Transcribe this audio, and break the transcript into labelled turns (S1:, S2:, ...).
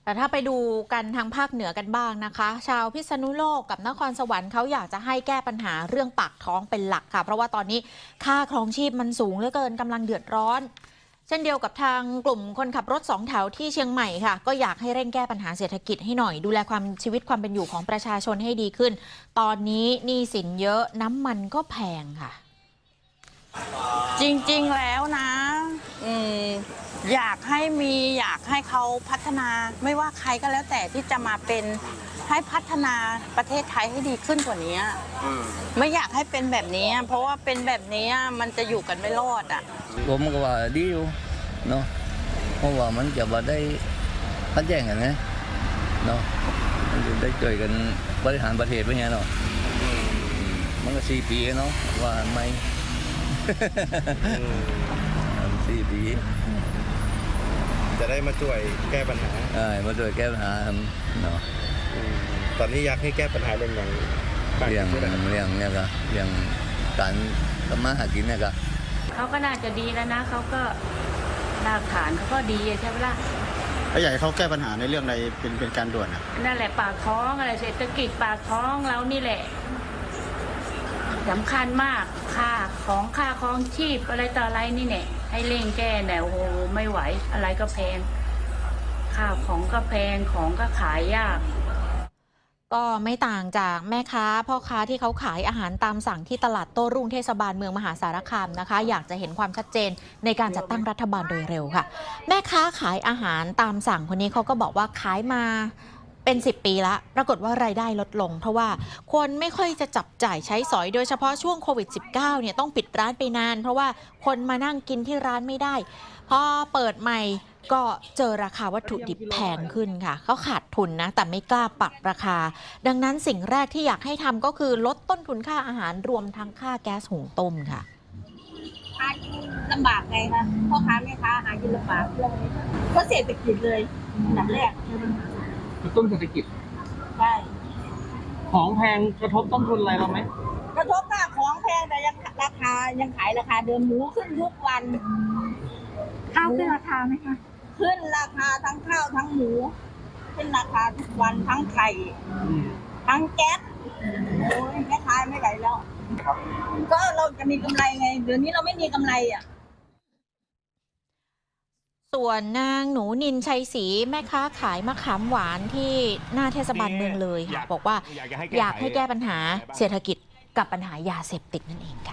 S1: แต่ถ้าไปดูกันทางภาคเหนือกันบ้างนะคะ ชาวพิษณุโลกกับนครสวรรค์เขาอยากจะให้แก้ปัญหาเรื่องปากท้องเป็นหลักค่ะ เพราะว่าตอนนี้ค่าครองชีพมันสูงเหลือเกินกำลังเดือดร้อน เช่นเดียวกับทางกลุ่มคนขับรถ2 แถวที่เชียงใหม่ค่ะก็อยากให้เร่งแก้ปัญหาเศรษฐกิจให้หน่อยดูแลชีวิตความเป็นอยู่ของประชาชนให้ดีขึ้น ตอนนี้หนี้สินเยอะน้ำมันก็แพงค่ะ
S2: จริงๆแล้วนะอยากให้เขาพัฒนาไม่ว่าใครก็แล้วแต่ที่จะมาเป็นให้พัฒนาประเทศไทยให้ดีขึ้นกว่านี้ไม่อยากให้เป็นแบบนี้เพราะว่าเป็นแบบนี้มันจะอยู่กันไม่รอดอ่ะ
S3: ผมก็ว่าดีอยู่เนาะเพราะว่ามันจะมาได้พัดแย่งกันนะเนาะมันจะได้ช่วยกันบริหารประเทศไปไงเนาะมันก็4 ปีเนาะว่าไม่4 ปี
S4: จะได้มาช่วยแก้ปัญหา
S3: มาช่วยแก้ปัญหาเนาะ
S4: ตอนนี้อยากให้แก้ปัญหาเรื่องเนี่ยก็เรื่อง
S3: การทำมาหากินเนี่ยก็
S5: เขาก็น่าจะดีแล้วนะเขาก็รากฐานเขาก็ดีใช่ไหมล่ะ
S4: แล้วอยากให้เขาแก้ปัญหาในเรื่องใดเป็นการด่วน
S5: นั่นแหละปากท้องอะไรเศรษฐกิจปากท้องเรานี่แหละสำคัญมากค่าครองชีพอะไรต่ออะไรนี่เนี่ยให้เร่งแก้เนี่ยโอ้โหไม่ไหวอะไรก็แพงข้าวของก็แพงของก็ขายยาก
S1: ก็ไม่ต่างจากแม่ค้าพ่อค้าที่เขาขายอาหารตามสั่งที่ตลาดโต้รุ่งเทศบาลเมืองมหาสารคามนะคะอยากจะเห็นความชัดเจนในการจัดตั้งรัฐบาลโดยเร็วค่ะแม่ค้าขายอาหารตามสั่งคนนี้เขาก็บอกว่าขายมาเป็น10 ปีละปรากฏว่ารายได้ลดลงเพราะว่าคนไม่ค่อยจะจับจ่ายใช้สอยโดยเฉพาะช่วงโควิด -19 เนี่ยต้องปิดร้านไปนานเพราะว่าคนมานั่งกินที่ร้านไม่ได้พอเปิดใหม่ก็เจอราคาวัตถุดิบแพงขึ้นค่ะเขาขาดทุนนะแต่ไม่กล้าปรับราคาดังนั้นสิ่งแรกที่อยากให้ทำก็คือลดต้นทุนค่าอาหารรวมทั้งค่าแก๊สหุงต้มค่ะ
S6: หากินลำบากไงคะพ่อค้าแม่ค้าหากินลำบากเลยเพราะเศรษฐกิจเลยอันดับแรก
S7: กระตุ้นเศรษฐกิจ
S6: ใช่
S7: ของแพงกระทบต้นทุนอะไรเราไหม
S6: กระทบค่ะของแพงแต่ยังราคายังขายราคาเดิมหมูขึ้นทุกวัน
S5: ข้าวขึ้นราคาไหมคะ
S6: ขึ้นราคาทั้งข้าวทั้งหมูขึ้นราคาทุกวันทั้งไข่ทั้งแก๊สโอ้ยแม่ค้าไม่ไหวแล้วก็เราจะมีกำไรไงเดี๋ยวนี้เราไม่มีกำไรอ่ะ
S1: ส่วนนางหนูนินชัยศรีแม่ค้าขายมะขามหวานที่หน้าเทศบาลเมืองเลยค่ะบอกว่าอยากให้แก้ปัญหาเศรษฐกิจกับปัญหายาเสพติดนั่นเองค่ะ